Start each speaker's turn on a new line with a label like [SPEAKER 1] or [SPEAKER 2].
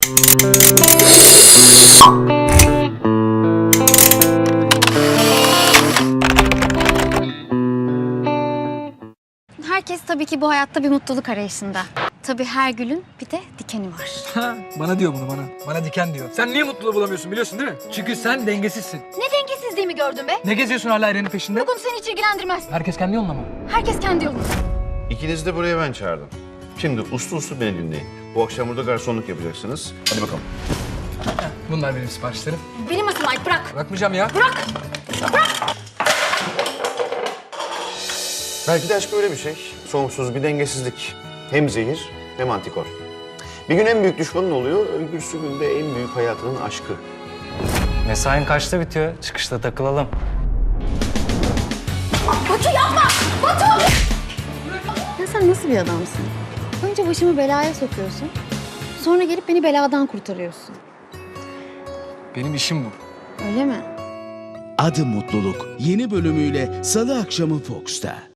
[SPEAKER 1] Herkes tabii ki bu hayatta bir mutluluk arayışında. Tabii her gülün bir de dikeni var.
[SPEAKER 2] Ha, bana diyor bunu bana. Bana diken diyor. Sen niye mutluluğu bulamıyorsun biliyorsun değil mi? Çünkü sen dengesizsin.
[SPEAKER 1] Ne dengesizliğimi gördün be?
[SPEAKER 2] Ne geziyorsun hala Eren'in peşinde?
[SPEAKER 1] Bu konu seni hiç ilgilendirmez.
[SPEAKER 2] Herkes kendi yoluna mı?
[SPEAKER 1] Herkes kendi yolunda.
[SPEAKER 3] İkinizi de buraya ben çağırdım. Şimdi uslu uslu beni dinleyin. Bu akşam burada garsonluk yapacaksınız. Hadi bakalım.
[SPEAKER 2] Bunlar benim siparişlerim.
[SPEAKER 1] Benim asıl ait, bırak.
[SPEAKER 2] Bırakmayacağım ya.
[SPEAKER 1] Bırak.
[SPEAKER 3] Belki de aşk böyle bir şey. Sonsuz bir dengesizlik. Hem zehir hem antikor. Bir gün en büyük düşmanın oluyor, öbürsü günde en büyük hayatının aşkı.
[SPEAKER 4] Mesain kaçta bitiyor? Çıkışta takılalım.
[SPEAKER 1] Batu yapma! Batu! Ya sen nasıl bir adamsın? Önce başımı belaya sokuyorsun. Sonra gelip beni beladan kurtarıyorsun.
[SPEAKER 2] Benim işim bu.
[SPEAKER 1] Öyle mi?
[SPEAKER 5] Adı Mutluluk yeni bölümüyle Salı akşamı Fox'ta.